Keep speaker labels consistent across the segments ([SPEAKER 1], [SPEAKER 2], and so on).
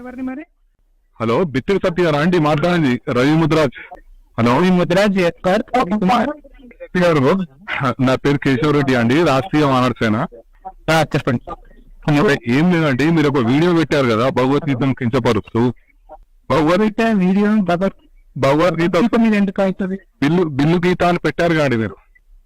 [SPEAKER 1] ఎవరిని మరి?
[SPEAKER 2] హలో, బిత్తిరి సత్య గారా అండి మాట్లాడింది? రవి ముద్రాజ్. హలో
[SPEAKER 1] ముద్రాజ్
[SPEAKER 2] గారు, నా పేరు కేశవ్ రెడ్డి అండి, రాష్ట్రీయ మానవ సేన.
[SPEAKER 1] చెప్పండి.
[SPEAKER 2] ఏం లేదండి, మీరు ఒక వీడియో పెట్టారు కదా భగవద్గీతను కించపరుస్తూ.
[SPEAKER 1] భగవద్గీత వీడియో
[SPEAKER 2] భగవద్గీత
[SPEAKER 1] మీద ఎందుకు అవుతుంది?
[SPEAKER 2] బిల్లు గీత అని పెట్టారు కాండి మీరు.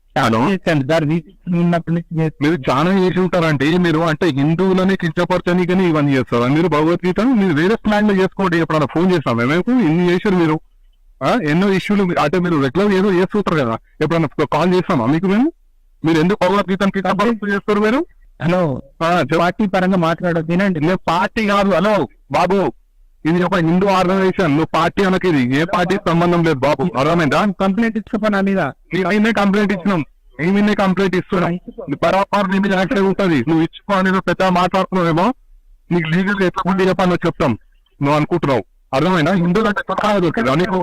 [SPEAKER 2] మీరు చాలా చేసి ఉంటారంటే, మీరు అంటే హిందువులని కించపరచని ఇవన్నీ చేస్తారు. మీరు భగవద్గీత మీరు వేరే ప్లాన్ లో చేసుకోండి. ఎప్పుడన్నా ఫోన్ చేస్తాం మేము, ఇన్ని చేశారు మీరు. ఎన్నో ఇష్యూలు అంటే మీరు రెగ్యులర్ ఏదో చేస్తుంటారు కదా, ఎప్పుడన్నా కాల్ చేస్తామా మీకు మేము? మీరు ఎందుకు భగవద్గీతను కించపరుస్తూ చేస్తారు మీరు?
[SPEAKER 1] హలో, పార్టీ పరంగా మాట్లాడదు వినండి.
[SPEAKER 2] నేను పార్టీ కాదు. హలో బాబు, ఇది ఒక హిందూ ఆర్గనైజేషన్. నువ్వు పార్టీ అనకి, ఇది ఏ పార్టీకి సంబంధం లేదు బాబు, అర్థమైందా?
[SPEAKER 1] కంప్లైంట్ ఇచ్చుకోపనా మీద
[SPEAKER 2] అయినా కంప్లైంట్ ఇచ్చినాం, ఏమైనా కంప్లైంట్ ఇస్తున్నాం. బరాబర్ నీ మీద యాక్షన్ ఉంటుంది. నువ్వు ఇచ్చుకో అనేది పెద్ద మాట్లాడుతున్నావేమో, నీకు లీగల్ ఎట్లా ఉండి చెప్పాలో చెప్తాం. నువ్వు అనుకుంటున్నావు, అర్థమైనా? హిందువులు అంటే కొత్తగా దొరికిందా నీకు?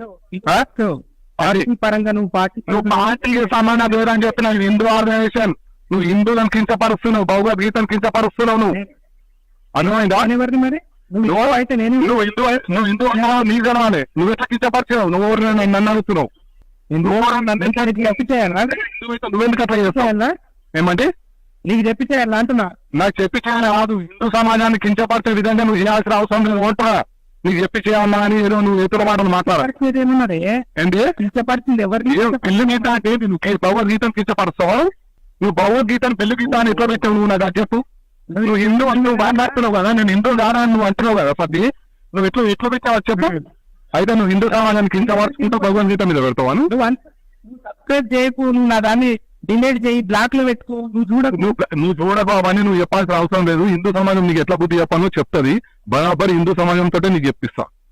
[SPEAKER 1] పరంగా నువ్వు
[SPEAKER 2] పార్టీకి సంబంధం లేదని చెప్పిన హిందూ ఆర్గనైజేషన్. నువ్వు హిందువులను కించపరుస్తున్నావు, భగవద్గీతను కించపరుస్తున్నావు. నువ్వు అర్థమైందా?
[SPEAKER 1] ఎవరిని మరి? నువ్వు అయితే నేను
[SPEAKER 2] నువ్వు హిందూ అన్నావు, నీ జనాలే. నువ్వు ఎట్లా కించపరిచావు? నువ్వు నన్ను అడుగుతున్నావు. నువ్వెందుకు అట్లా చేస్తావు? ఏమంటే
[SPEAKER 1] నీకు చెప్పి చేయాలి అంటున్నా.
[SPEAKER 2] నాకు చెప్పి చేయాలి కాదు, హిందూ సమాజాన్ని కించపరిచే విధంగా నువ్వు చేయాల్సిన అవసరం లేదు. ఓటరా నీకు చెప్పి చేయాలన్నా అని ఏదో నువ్వు ఇతర మాటలు మాట్లాడాలి.
[SPEAKER 1] ఏమన్నారే
[SPEAKER 2] ఏంటి
[SPEAKER 1] కించపరిచింది? ఎవరిని?
[SPEAKER 2] పెళ్లి గీత అంటే నువ్వు భగవద్గీతను కించపరుస్తావు. నువ్వు భగవద్గీతను పెళ్లి గీత అని ఎట్లా పెట్టావు? నువ్వు నాకు చెప్పు. నువ్వు హిందూ అని నువ్వు మాట్లాడుతున్నావు కదా, నేను హిందూ కాదా అని నువ్వు అంటున్నావు కదా. పది నువ్వు ఎట్లా పెట్టావు చెప్పు. అయితే నువ్వు హిందూ సమాజాన్ని కించపరుచుకుంటూ భగవద్గీత మీద పెడతావా?
[SPEAKER 1] నువ్వు సబ్స్క్రైబ్ చేయకు, నువ్వు నా దాన్ని డిలీట్ చేయి, బ్లాక్ లో పెట్టుకో.
[SPEAKER 2] నువ్వు చూడబాబు అని నువ్వు చెప్పాల్సిన అవసరం లేదు. హిందూ సమాజం నీకు ఎట్లా బుద్ధి చెప్పాలో చెప్తుంది. బరాబర్ హిందూ సమాజంతో నీకు చెప్పిస్తా.